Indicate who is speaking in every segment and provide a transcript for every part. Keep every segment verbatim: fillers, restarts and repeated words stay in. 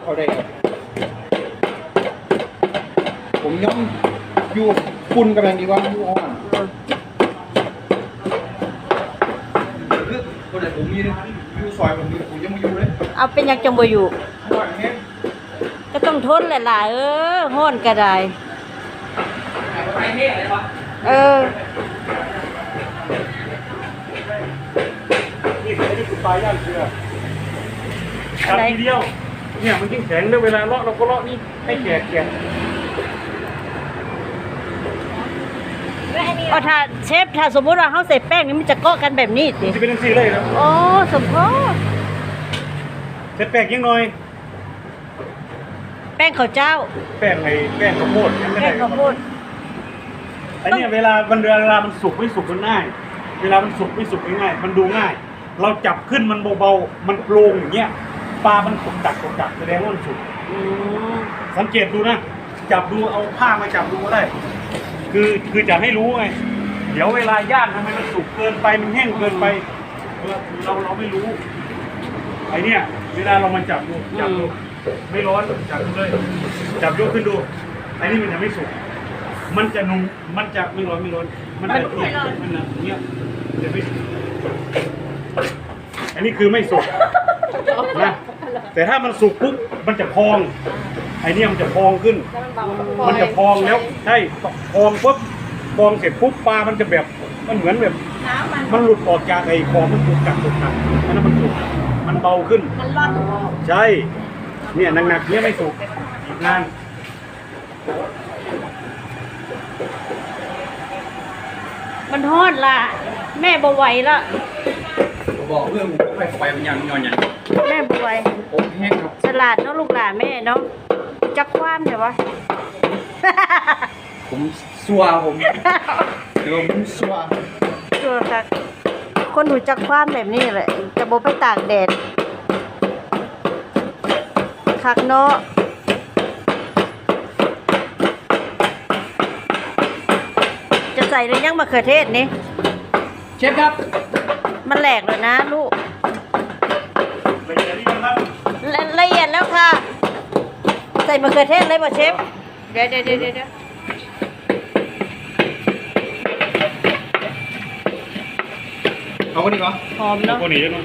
Speaker 1: เอาได้ครับผมย่อมอยู่ปุ่นกำลังดีว่าอยู่อ่อนคือคนไหนผมมีอยู่ซอยผมมีผมยังไม่อยู่เลย
Speaker 2: เอาเป็นยังจังบ่อยู่
Speaker 1: ห่อนแห้ง
Speaker 2: ก็ต้องทนแหละล่ะเออฮ้อนก็ได้
Speaker 1: ไปเท่อะไรวะ
Speaker 2: เออ
Speaker 3: นี่ไอ้นี่คือปลาย่างเกลือทำทีเดียวเนี่ยมันยิ่งแข็งด้วยเวลาเลาะเราก็เลาะนี่ให้แก่แก่
Speaker 2: อ๋อถ้าเชฟถ้าสมมุติว่าเฮาใส่แป้งนี่มันจะเกาะกันแบบนี้สิ
Speaker 3: จะเป็นทั้งสี่เลยครับ
Speaker 2: อ๋อสมพอ
Speaker 3: เสร็จแป้งยังน้อย
Speaker 2: แป้งข้าวเจ้า
Speaker 3: แป้งไอ้แป้งข้าวโพดยังไม่ได้
Speaker 2: แป้งข้าวโพด
Speaker 3: ไอ้เนี่ยเวลามันเวลามันสุกไม่สุกมันง่ายเวลามันสุกไม่สุกง่ายมันดูง่ายเราจับขึ้นมันเบาๆมันโปร่งอย่างเงี้ยปลามันตกจักตกจักแสดงว่ามันสุกสังเกตดูนะจับดูเอาผ้ามาจับดูก็ได้คือคือจะให้รู้ไงเดี๋ยวเวลาย่างทำไมมันสุกเกินไปมันแห้งเกินไปเราเราไม่รู้ไอเนี่ยเวลาเรามาจับดูจับดูไม่ร้อนจับดูเลยจับยกขึ้นดูไอ้นี่มันจะไม่สุกมันจะนุ่มมันจะไม่ร้อนไม่ร้อนมันจะเนี่ยมันนะเนี่ยจะไม่สุกอันนี้คือไม่สุกนะแต่ถ้ามันสุกปุ๊บมันจะพองไอ้นี่มันจะพองขึ้นมันจะพองแล้วใช่พองปุ๊บพองเสร็จปุ๊บปลามันจะแบบมันเหมือนแบบมันหลุดออกจากไอ้คอมันถูกกัดถูกกัดมันมันสุกมันเบาขึ้นมันร่อนใช่เนี่ยหนักๆเนี่ยไม่สุกอีกนาน
Speaker 2: มันทอดล่ะแม่บ่ไหวละ
Speaker 1: บอกเพื่อนผมไปไปมันยังนอนยัง
Speaker 2: แม่บ่ไหว
Speaker 1: ผมแห้งครับ
Speaker 2: สลัดเนาะลูกหลานแม่เนาะจักความเดี๋ยววะ
Speaker 1: ผมซัวผมเดี๋ยวผมซัว
Speaker 2: ซัวค่ะคนหูจักความแบบนี้แหละจะบ่ไปตากแดดคักเนาะจะใส่หรือยังมะเขือเทศนี่
Speaker 1: เชฟครับ
Speaker 2: มันแหลกเลยนะลูก
Speaker 3: ละเอียดนี่ครับ
Speaker 2: ละเอียดแล้วค่ะใส่มะเขือเทศเลยป่ะเชฟเดี๋ยวเดี๋ยวเดี๋ยวเดี๋ยว
Speaker 1: เอาคนนี้ก่อน
Speaker 2: หอมเนาะ
Speaker 3: คนนี้เนาะ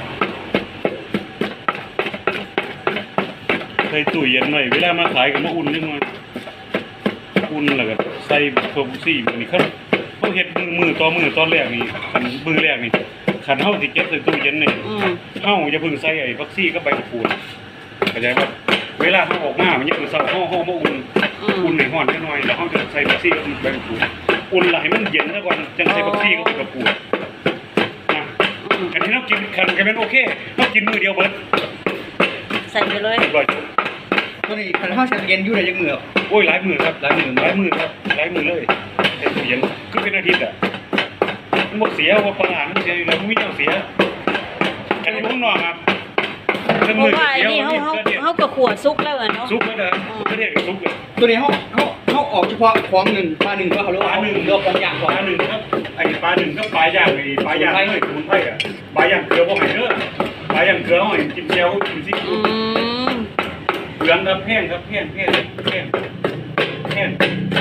Speaker 3: ใส่ตู้เย็นหน่อยเวลามาขายกับมาอุ่นนิดหน่อยอุ่นแล้วก็ใส่โซบุซี่มันนี่เขาเขาเฮ็ดมือมือต่อมือตอนแรกนี่ขันมือแรกนี่ขันเฮาสิเก็บใส่ตู้เย็นนี่เฮาอย่าเพิ่งใส่ไอ้ฟักซี่กับใบมะกรูดเข้าใจป่ะเวลาเฮาออกมามันยังเซาเฮาเฮามาอุ่นอุ่นให้ร้อนนิดหน่อยแล้วเฮาจะใส่ฟักซี่กับใบมะกรูดอุ่นแล้วให้มันเย็นซะก่อนจังใส่ฟักซี่กับใบมะกรูดนะอันนี้เรากินขันกันเป็นโอเคเรากินมือเดียวเบิด
Speaker 2: ใส่ไปเลย
Speaker 1: ตัวนี้ขันข้าวเชฟเย็นอยู่ในยังมือ
Speaker 3: โอ้ยหลายมือครับหลายมือหลายมือครับหลายมือเลยเต็มตู้เย็นคือเป็นอาทิตย์อ่ะมันหมดเสียว่าปลามันเสียอยู่แล้วมันไม่เอาเสียกันที่ผมนอนครับ
Speaker 2: เพราะว่าไอ้นี่เขาเขาเขากระขวดซุกแล้วเนาะ
Speaker 3: ซุกแล้วเด้อประเทศก็ซุกเลย
Speaker 1: ตัวนี้เขาเขาเขาออกเฉพาะของหนึ่งปลาหนึ่งก็เขาเรียกว่าปลาหนึ่งเรียกว่าอย่าง
Speaker 3: ปลาหนึ่งครับไอ้ปลาหนึ่งก็ปลาย่างไอ้ปลาย่างเลยสมุนไพรอ่ะปลาย่างเกลือพวกไหนเด้อปลาย่างเกลือเขาให้กินเจียวกินซิกินเหลืองครับแห้งครับแห้งแห้งแห้งแห้ง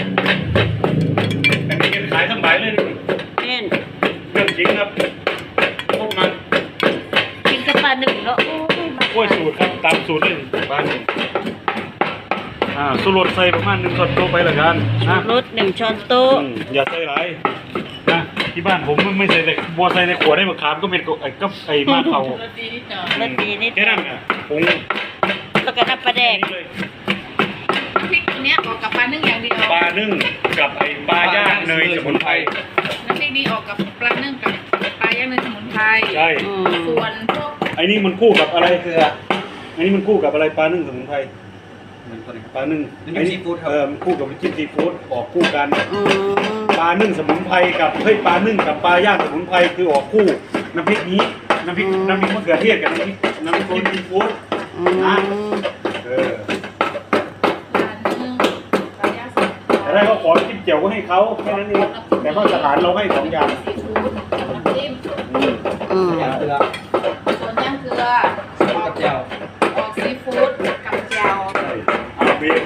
Speaker 3: แต่นี่ขายทั้งใบเลย
Speaker 2: แห้ง
Speaker 3: เรื่องจริงครับพวกมัน
Speaker 2: กินกับปลาหนึ่งเนาะ
Speaker 3: โอ้ยสูตรครับตามสูตรเลยปลาหนึ่งอ่าสูตรใส่ประมาณหนึ่งช้อนโต๊ะไปละกันนะ
Speaker 2: รสหนึ่งช้อนโต๊ะ
Speaker 3: อย่าใส่หลายนะที่บ้านผมไม่ใส่แต่บัวใส่ในขวดได้มะขามก็เป็นไอ้ก็ไอ้มะเขา
Speaker 2: รสดีนิดหน่อยรสดีนิด
Speaker 3: แค่นั้นอ่ะผง
Speaker 2: แล้วก็น้ำปลาแดง
Speaker 4: พริกตัวเนี้ยออกกับปลานึ่งอย่างเดียว
Speaker 3: ปลานึ่งกับไอ้ปลาย่างเนยสมุนไพร
Speaker 4: น้ำพริกนี้ออกกับปลานึ่งกับปลาย่างเนยสมุนไพร
Speaker 3: ใช่
Speaker 4: ส่วนพวก
Speaker 3: ไอ้นี่มันคู่กับอะไรเกลือไอ้นี่มันคู่กับอะไรปลานึ่งสมุนไพรปลานึ่งไอ้นี่เออมันคู่กับจิ้มซีฟู้ดออกคู่กันปลานึ่งสมุนไพรกับเฮ้ยปลานึ่งกับปลาย่างสมุนไพรคือออกคู่น้ำพริกนี้น้ำพริกน้ำพริกมะเขือเทศกับน้ำพริกน้ำพริกจิ้มซีฟู้ดนะเออแต่ถ้าเขาขอจิ้มเจียวก็ให้เขาแค่นั้นเองแต่มาตรฐานเราให้สองอย่าง
Speaker 4: น้ำจิ้ม
Speaker 1: อืมเกลือ
Speaker 4: ส่วนย่างเกลือ
Speaker 1: กับเจียว
Speaker 4: ออกซีฟู้ดกับเจียว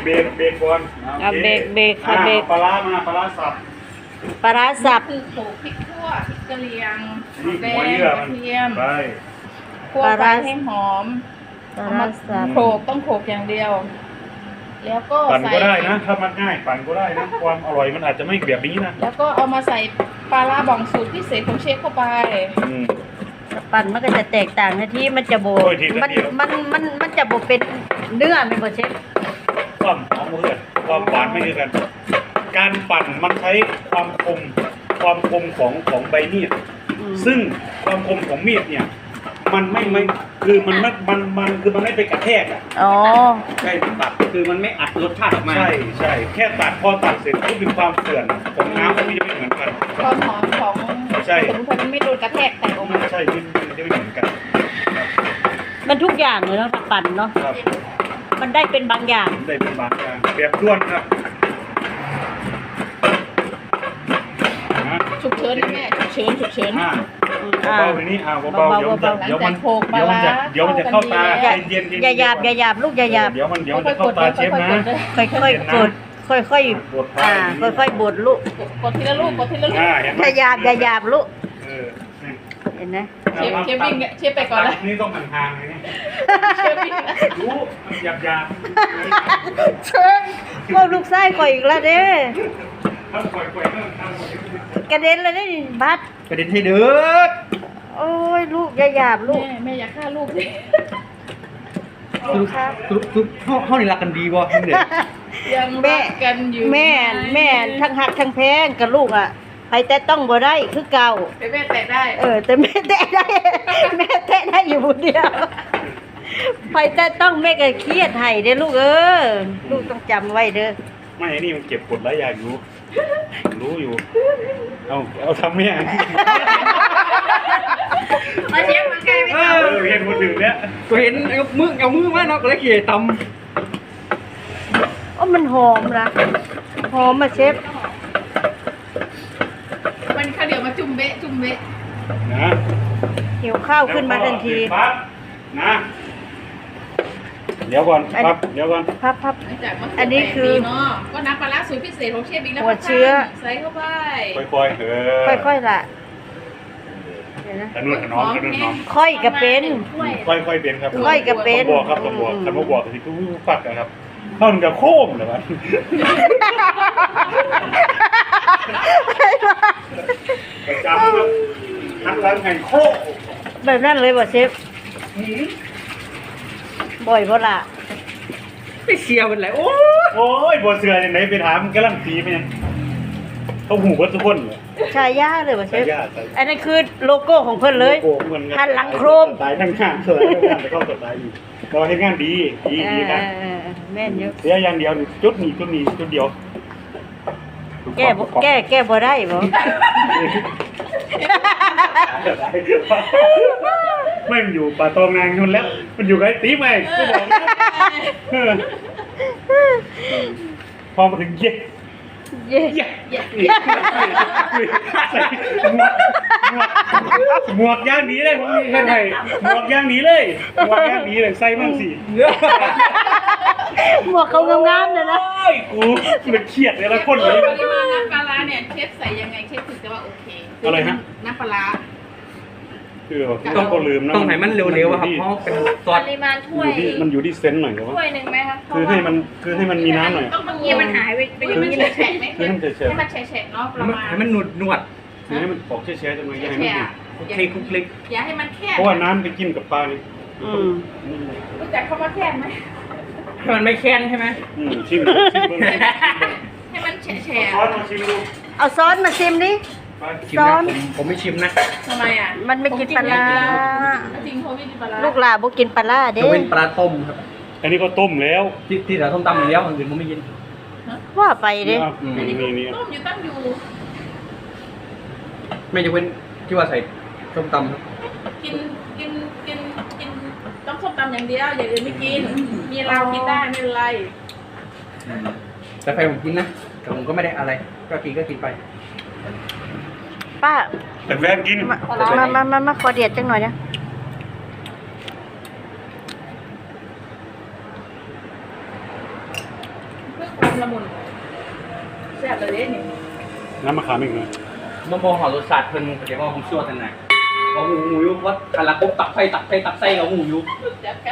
Speaker 3: เบรกเบรกก่อน
Speaker 2: อ่ะเบรกเบรกค่ะเบรก
Speaker 3: อ่าปลาร้ามาปลาร้าสับ
Speaker 2: ปลาร้าสับ
Speaker 4: คือโขลกพริกขั่วพริกกะเหรี่ยง
Speaker 3: นี่
Speaker 4: แด
Speaker 3: หัว
Speaker 4: ง
Speaker 3: เยื่อก
Speaker 4: ระ
Speaker 3: มัน
Speaker 4: เทียม
Speaker 3: ไป
Speaker 4: คั่วไปให้หอม
Speaker 2: ปลา
Speaker 4: เอา
Speaker 2: ร้า
Speaker 4: มา
Speaker 2: สับ
Speaker 4: โขลกต้องโขลกอย่างเดียว แล้วก็
Speaker 3: ปั่น
Speaker 4: ใส่
Speaker 3: ก็ได้นะถ้ามันง่ายปั่นก็ได้นะความอร่อยมันอาจจะไม่แบบนี้นะ
Speaker 4: แล้วก็เอามาใส่ปลาร้าบ่องสูตรพิเศษของเชฟเข้าไป
Speaker 3: อืม
Speaker 2: ปั่นมันก็จะแตกต่างนะที่มันจะโบ
Speaker 3: โอ้ยทีละ
Speaker 2: มัน
Speaker 3: เดียว
Speaker 2: มันมันมันจะโบเป็นเนื้อไม่บ่เชฟ
Speaker 3: ความหอมเพื่อนความหวานไม่คือกัน การปั่นมันใช้ความคมความคมของของใบมีด
Speaker 2: อืม
Speaker 3: ซึ่งความคมของมีดเนี่ย มันไม่ไม่คือมันไม่มันมันคือมันไม่ไปกระแทกอ่ะ
Speaker 2: อ๋อ
Speaker 1: ใช่ตัดคือมันไม่อัดรสชาติออกมา
Speaker 3: ใช่ใช่แค่ตัดพอตัดเสร็จก็คือความเสื่อมของน้ำมันจะไม่เหมือนกัน
Speaker 4: ความหอมของ
Speaker 3: ใช่
Speaker 4: สมุนไพรมันไม่โดนกระแทกแตกออก
Speaker 3: มั
Speaker 4: มาน
Speaker 3: ใช่มันมันจะไม่เหมือนกัน
Speaker 2: มันทุกอย่างเลยเนาะถ้าปั่นเนาะ
Speaker 3: ครับ
Speaker 2: มันได้เป็นบางอย่าง
Speaker 3: ได้เป็นบางอย่างแบบด้วนครับนะ
Speaker 4: ฉุกเฉินนะแม่ฉุกเฉินฉุกเฉิน
Speaker 3: อ่า
Speaker 2: อืมอ่า
Speaker 3: เบาๆไปนี้อ่าเบาๆเดี๋ยวมันจะ
Speaker 4: หลัง
Speaker 3: เดี๋ยว
Speaker 4: จา
Speaker 3: มั
Speaker 4: ก
Speaker 3: น
Speaker 4: โขลกปลา
Speaker 3: เดี๋ยวมัน
Speaker 4: ร้า
Speaker 3: จะเดี๋ยวมันจะเข้าตา
Speaker 2: อย่า
Speaker 3: ใจเย็นๆ
Speaker 2: อย่าหยาบอย่าหยาบลูกอย่าหยาบ
Speaker 3: เดี๋ยวมันเดี๋ยวมัน
Speaker 4: ค่
Speaker 3: จะ
Speaker 4: อยๆก
Speaker 3: เข้า
Speaker 4: ด
Speaker 3: ตาเชฟ
Speaker 4: ค่อยๆก
Speaker 3: นะ
Speaker 4: ดเลย
Speaker 2: ค่อยๆกดค่อยๆอ่าค่อยๆบดลูก
Speaker 4: กดทีละลูกกดทีละลูก
Speaker 3: อ่าเห็นไหม
Speaker 2: อย่าหยาบอย่าหยาบลูก
Speaker 3: เออนี่
Speaker 2: เห็นไหม
Speaker 4: เชฟเชฟวิ่งเนี่ยเชฟไปก่อนละ
Speaker 3: นี่ต้องห่างๆเลยนี่
Speaker 4: เชฟวิ่งละ
Speaker 3: รู้มันหยาบหยาบ
Speaker 2: เชิญว่าลูกไส้ข่อยอีกแล้วเด้
Speaker 3: ถ้าปล่อยปล่อยๆก็ทำหมด
Speaker 2: กระเด็นเลยนี่บัด
Speaker 1: กระเด็นให้เดือด
Speaker 2: โอ้ยลูกอย่าหยาบลูก
Speaker 4: แม่แม่อย่าฆ่าลูกสิ
Speaker 1: สรุปสรุปสรุปเขาเขานี่รักกันดีวะเด็ก
Speaker 4: ยัง
Speaker 2: แม่
Speaker 4: รักกันอยู่
Speaker 2: แม่แม่ทั้งหักทั้งแพงกับลูกอ่ะไปแต่ต้องบ่ได้คือเก่า
Speaker 4: แต่แม่แตะได้
Speaker 2: เออ แต่แม่แตะได้ แม่แตะได้อยู่คนเดียวไปแต่ต้องแม่ก็เครียดให้เด้อลูกเออลูกต้องจำไว้เด้อ
Speaker 3: ไม่ไอ้นี่มันเก็บกดหลายอย่างอยู่รู้อยู่ เอาเอาทำแม่
Speaker 4: มาเชฟมาใกล้ไม่
Speaker 1: เอ
Speaker 4: เอา
Speaker 3: เออเห็นคนอื่นแล้ว
Speaker 1: กูเห็นเอามือเอามือมาเนาะก็เลยเขี่ยต
Speaker 2: โอ้มันหอมนะหอมมาเชฟ
Speaker 4: มันข้าวเดี๋ยวมาจุ่มเบะจุ่มเบะ
Speaker 3: นะ
Speaker 2: หิวข้าวขึ้นมาทันที
Speaker 3: ปั๊บนะเดี๋ยวก่อนครับเดี๋ยวก่อน
Speaker 2: พับพับ
Speaker 4: หลังจากมะเขื
Speaker 2: อันนี้คือ
Speaker 4: เนาะก็น้ำปลาร้าสูตรพิเศษของเชฟบิ๊กแล้ว
Speaker 2: หัวเชื้อ
Speaker 4: ใส่เข้าไป
Speaker 3: ค่อยๆเออ
Speaker 2: ค่อยๆล่ะเดี๋ยวนะ
Speaker 3: ขนุนขนอมขนุนขนอม
Speaker 2: ค่อยก็เป็น
Speaker 3: ค่อยๆเป็นครับ
Speaker 2: ค่อยก็เป็น
Speaker 3: ต้องบอกครับต้องบอกคำว่าบอกสิกูปัดนะครับเข้าถึงกับโค้งเหรอวะประจำครับทักร้านแห่งโค้ง
Speaker 2: แบบนั้นเลยบ่เชฟบ่อยบ่ล่ะ
Speaker 1: ำไปเชียร์มันเลยโอ้
Speaker 3: โอ้ยบัวเสืออย่างไหนไปถามกำลังตีไปยังเขาหูว่าทุกคนเลย
Speaker 2: ชายาเลยบ่เชฟ
Speaker 3: ชายาชายา
Speaker 2: อันนั้นคือโลโก้ของเพิ่นเลย
Speaker 3: โอ้โหเหมือนกัน
Speaker 2: หันหลังโครม
Speaker 3: ตายทั้งงานเลยทั้งงานแต่ก็ตายอยู่เราเห็นงานดีดี
Speaker 2: เอ
Speaker 3: ดี
Speaker 2: อ
Speaker 3: นะ
Speaker 2: เออเออแม่นอยู่
Speaker 3: เสียอย่างเดียวนี่จุดนี้จุดนี้จุดเดียว
Speaker 2: แก้บ่แก้แก้บ่ได้บ่
Speaker 3: ไม่มันอยู่ป่าตองนางนู่นแล้ว มันอยู่กับไอ้ตีใหม่ก็บอกนะเออพอมาถึงเย็ด
Speaker 2: เย้
Speaker 3: เย็ดใส่หมวกหมวกหมวกย่างดีเลยผมมีแค่ไหนหมวกย่างดีเลยหมวกย่างดีเลยใส่มั่งสิ
Speaker 2: หมวกเขางามๆเลยนะ
Speaker 3: โอ้ยกูมันเครียดเลยละคนเลย
Speaker 4: ปริมาณน้ำปลาร้าเนี่ยเชฟใส่ยังไงเชฟถึงจะว่าโอเค
Speaker 3: อะไรฮะ
Speaker 4: น้ำปลาร้า
Speaker 3: คือต้องก็ลืมนะ
Speaker 1: ต้องให้มันเร็วๆอะครับเพราะเป็นซอ
Speaker 4: ป
Speaker 1: ส
Speaker 4: ริมาณถ้วย
Speaker 3: อยู่ที่มันอยู่ที่เซนส์หน่อยครับ
Speaker 4: ถ้
Speaker 3: ว่า
Speaker 4: วยหนึ่งไหมคะ
Speaker 3: คือให้มันคือให้มันมีน้ำหน่อย
Speaker 4: ต้องเมื่อกี้มันหายไปไปอยู่มันแฉะๆไหม
Speaker 3: คือให้มันแฉะๆ
Speaker 4: ให้มันแฉะๆเนาะประมาณ
Speaker 1: ให้มันหนุดหนวด
Speaker 3: คือให้มันออกแช่ๆจังเลยอย่าให้มัน
Speaker 4: แฉะ
Speaker 3: ดิบ
Speaker 1: คลิกคลิก
Speaker 4: ๆอย่าให้มันแคบ
Speaker 3: เพราะว่าน้ำไปกินกับปลานี่
Speaker 2: อืม
Speaker 4: รู้จักคำว่าแคบไหม
Speaker 1: ให้มันไม่แค้นใช่ไหม
Speaker 3: อืมชิมชิมเบิ่ง
Speaker 4: ให้มันแฉะ
Speaker 3: ช้อนมาชิมดู
Speaker 2: เอาซอสมาชิมดิ
Speaker 3: ไป
Speaker 1: ชิม
Speaker 2: ซ้อ
Speaker 1: นะ
Speaker 2: น
Speaker 1: ผมผมไม่ชิมนะ
Speaker 4: ๆทำไมอ่ะ
Speaker 2: มันไม่กินปลาร้า
Speaker 4: จริงเขาไม่กินปลาร้า
Speaker 2: ลูกหลานบ่กินปลาร้าเด้
Speaker 1: ยกเว้นปลาต้มครับ
Speaker 3: อันนี้ก็ต้มแล้ว
Speaker 1: ที่ที่เราต้มตำอย่างเดียวอันอื่นผมไม่กิน
Speaker 2: ว่าไปเด้
Speaker 3: อ่ะ
Speaker 1: อืม
Speaker 4: อันนี้
Speaker 3: นี่นี่
Speaker 4: ต้มอยู่ตั้งอยู่
Speaker 1: ไม่ยกเว้นที่ว่าใส่ต้มตำครับ
Speaker 4: กินกินกินกินต้องส้มตำอย่างเดียวอย่างอื่นไม่กิน มีเรากินได้ไม่เป็นไร
Speaker 1: แต่แฟนผมกินนะแต่ผมก็ไม่ได้อะไร ก็กินก็กินไป
Speaker 2: ป้า
Speaker 3: แต่แฟนกิน
Speaker 2: มามามามามาขอเดียดจังหน่อยนะ
Speaker 4: ความละมุนแซ่บเลยเด้นี่
Speaker 3: น้ำมะขามอีกหน่อย
Speaker 1: มามองหอรสชาติเพิ่นเดี๋ยวว่าผมชั่วทันไหนว่าหูหูยุว่าคันละปุ๊บตักไฟตักไฟตักไส้กับหูยุ
Speaker 4: แซ่บกัน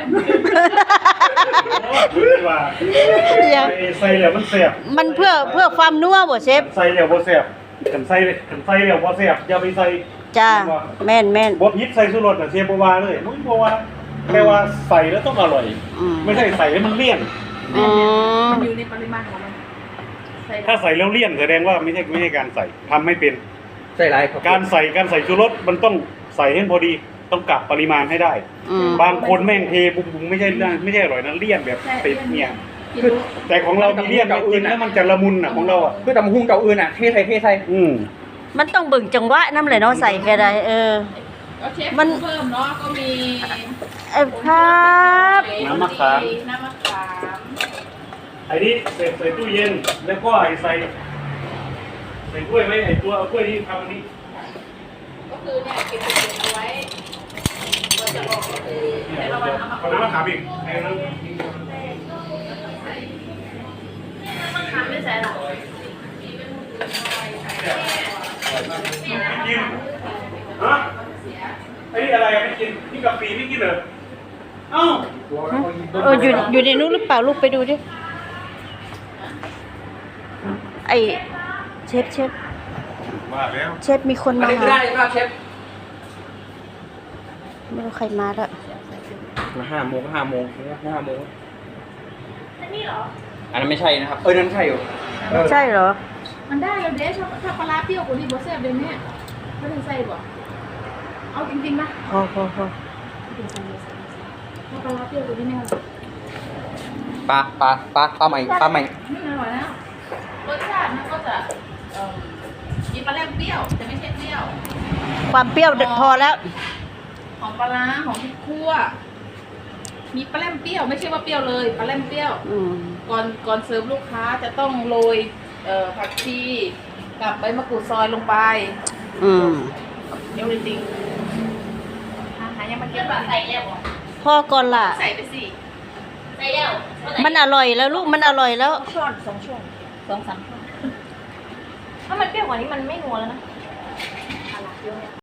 Speaker 3: ว่า
Speaker 2: ยัง
Speaker 3: ใส่ใส่แล้วมันแซ่บ
Speaker 2: มันเพื่อเพื่อความนัวบ่เชฟ
Speaker 3: ใส่แล้วบ่แซ่บกันใส่กันใส่แล้วบ่แซ่บอย่าไปใส่
Speaker 2: จ้าแม่นแม่น
Speaker 3: บ่ผิดใส่ชูรสน่ะเชฟบ่ว่าเลยมึงบ่ว่าแค่ว่าใส่แล้วต้องอร่อย
Speaker 2: อืม
Speaker 3: ไม่ใช่ใส่แล้วมันเลี่ยน
Speaker 2: อืม
Speaker 4: มันอยู่ในปริมาณของมันใส่
Speaker 3: ถ้าใส่แล้วเลี่ยนแสดงว่าไม่ใช่ไม่ใช่การใส่ทำไม่เป็น
Speaker 1: ใส่ไรครับ
Speaker 3: การใส่การใส่ชูรสมันต้องใส่ให้พอดีต้องกะปริมาณให้ได้
Speaker 2: อืม
Speaker 3: บางคนแม่งเทบุ้งๆไม่ใช่ไม่ใช่อร่อยนะเลี่ยนแบบติดเนี่ย
Speaker 4: กิน
Speaker 3: คือ
Speaker 4: รู้
Speaker 3: แต่ของเรามีเลี่ยนกินแล้วมันจะละมุนอ่ะของเราอ่ะ
Speaker 1: คือตำหุ้งเก่าอื่นอ่ะเทใส่เทใส่
Speaker 3: อืม
Speaker 2: มันต้องเบิ่งจังหวะนำเลยเนาะใส่ก็ได้เออ
Speaker 4: ก็เชฟ
Speaker 2: มัน
Speaker 4: เพิ่มเนาะก็มี
Speaker 2: เอ้ยครับ
Speaker 3: น้ำมะขาม
Speaker 4: น้ำมะขาม
Speaker 3: ไอ้นี่ใส่ใส่ตู้เย็นแล้วก็ไอ้ใส่ใส่ถ้วยไว้ไอ้ตัวเอาถ้วยที่ทำอันนี้
Speaker 4: ก็คือเนี่ยเก็บเก็บเอาไว้เราจะบอกก็คือแต่ละวันเอามา
Speaker 3: เอาน้ำมะขามอีกไอ้นั้น
Speaker 4: ทำไม่ใส่หรอก
Speaker 3: กินฮะไอ้นี่อะไรอะไม่กินนี่กะปิไม่กินเหรอเอ้า
Speaker 2: เอออยู่อยู่ในนู้นหรือเปล่าลูกไปดูดิไอเชฟเชฟ
Speaker 3: ว่าแล้ว
Speaker 2: เชฟมีคน
Speaker 1: อัน
Speaker 2: มา
Speaker 1: นี้คือ
Speaker 2: หา
Speaker 1: ได้ครับเชฟ
Speaker 2: ไม่รู้ใครมาแล้ว
Speaker 1: มาห้าโมงห้าโมงห้าโมง
Speaker 4: อันนี้เหรอ
Speaker 1: อันนั้นไม่ใช่นะครับเออนั่นใช่อยู่
Speaker 2: ใช่เหรอ
Speaker 4: มันได้แล้วเด้ชอบชอบปลาร้าเปรี้ยวกว่านี้บอสแซ่บเลยเนี่ยไม่ได้ใส่บ่เอาจริงๆนะ
Speaker 2: พอพอพอ
Speaker 4: ชอบปลาร้าเปรี้ยวกว่านี้ไหมคะ
Speaker 1: ปลาปลาปลาปลาใหม่ปลาใหม่
Speaker 4: ไม่อร่อยแล้วรสชาติมันก็จะเอ่อมีปลาแรมเปรี้ยวแต่ไม่ใช่เปรี้ยว
Speaker 2: ความเปรี้ยวพอแล้ว
Speaker 4: หอมปลาร้าหอมพริกคั่วมีปลาแรมเปรี้ยวไม่ใช่ว่าเปรี้ยวเลยปลาแรมเปรี้ยว
Speaker 2: อืม
Speaker 4: ก่อนก่อนเสิร์ฟลูกค้าจะต้องโรยเอ่อผักชีกับใบมะกรูดซอยลงไป
Speaker 2: อืม
Speaker 4: เดี๋ยวจริงอาหารยังมันเยอะแบบใส่แล้ว
Speaker 2: พอก่อนล่ะ
Speaker 4: ใส่ไปสิใส่แล้ว
Speaker 2: มันอร่อยแล้วลูกมันอร่อยแล้ว
Speaker 4: ช้อนสองช้อนสองสามช้อน
Speaker 5: ถ้ามันเปรี้ยวกว่านี้มันไม่นัวแล้วนะ